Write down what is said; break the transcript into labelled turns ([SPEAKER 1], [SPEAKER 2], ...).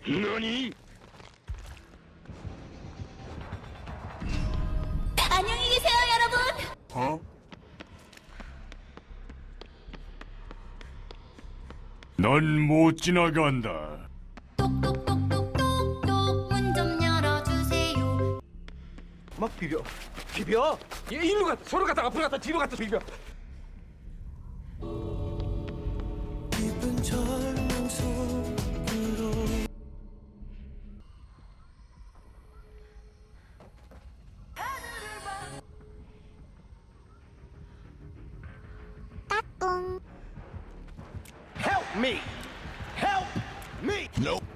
[SPEAKER 1] 何?
[SPEAKER 2] 안녕히 계세요, 여러분.
[SPEAKER 1] 어? 넌 못 지나간다.
[SPEAKER 2] 똑똑똑똑똑똑 문 좀 열어주세요.
[SPEAKER 3] 막 비벼. 얘 일로 갔다 서로 갔다 앞으로 갔다 뒤로 갔다 비벼.
[SPEAKER 4] 깊은 절망 속으로
[SPEAKER 3] Help me. Help me.
[SPEAKER 1] Nope.